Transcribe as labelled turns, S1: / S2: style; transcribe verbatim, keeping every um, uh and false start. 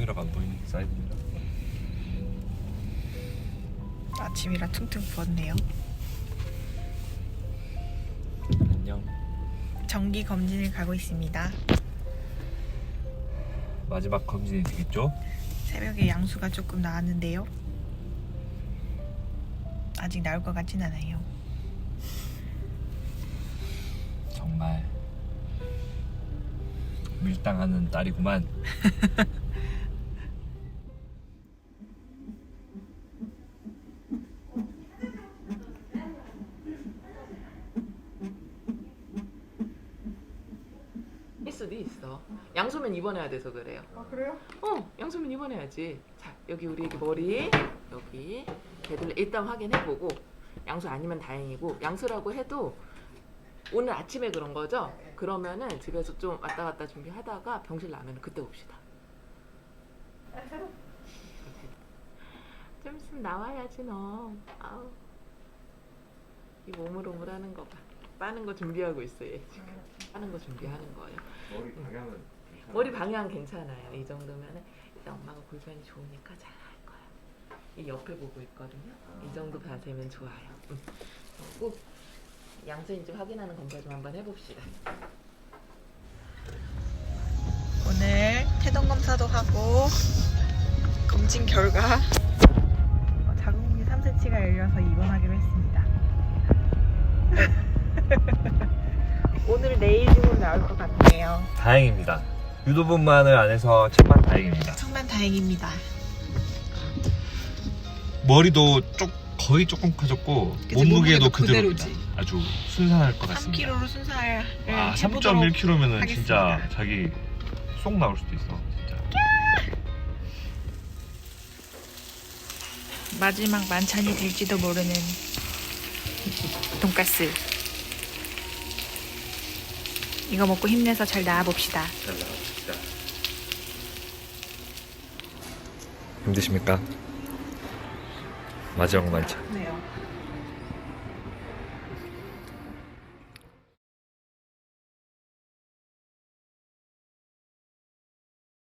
S1: 카메라가 안 보이는 사이드입니다.
S2: 아침이라 퉁퉁 부었네요.
S1: 안녕.
S2: 정기 검진을 가고 있습니다.
S1: 마지막 검진이 되겠죠?
S2: 새벽에 양수가 조금 나왔는데요. 아직 나올 것 같진 않아요.
S1: 정말 밀당하는 딸이구만.
S3: 일 수도 있어. 양소면 입원해야 돼서 그래요.
S2: 아 그래요?
S3: 어, 양소면 입원해야지. 자, 여기 우리 애기 머리 여기 걔들 일단 확인해보고 양수 아니면 다행이고 양수라고 해도 오늘 아침에 그런 거죠? 그러면은 집에서 좀 왔다 갔다 준비하다가 병실 나면 그때 봅시다. 좀 있으면 나와야지 너. 아우. 이 오물오물하는 거 봐. 빠는 거 준비하고 있어 얘 지금. 빠는 거 준비하는 거예요.
S1: 머리 방향은 괜찮아요?
S3: 머리 방향 괜찮아요. 이 정도면은 일단 엄마가 골반이 좋으니까 잘 할 거야. 이 옆에 보고 있거든요. 이 정도 자세면 좋아요. 응. 꼭 양수인지 확인하는 검사 좀 한번 해봅시다.
S2: 오늘 태동 검사도 하고 검진 결과 어, 자궁이 삼 센티미터가 열려서 입원하기로 했습니다. 오늘 내일 중으로 나올 것 같네요.
S1: 다행입니다. 유도분만을 안 해서 천만 다행입니다.
S2: 정말 다행입니다.
S1: 머리도 쪽 거의 조금 커졌고
S2: 그치,
S1: 몸무게도
S2: 몸무게도
S1: 그대로입니다.
S2: 그대로지.
S1: 아주 순산할 것
S2: 삼
S1: 같습니다.
S2: 킬로그램로 순살을
S1: 아, 삼
S2: 해보도록
S1: 점 일 킬로그램면은 진짜
S2: 하겠습니다.
S1: 자기 쏙 나올 수도 있어. 진짜.
S2: 마지막 만찬이 될지도 모르는 돈가스. 이거 먹고 힘내서 잘 나와봅시다.
S1: 잘 나갑시다. 힘드십니까? 마지막 만찬.
S2: 네요.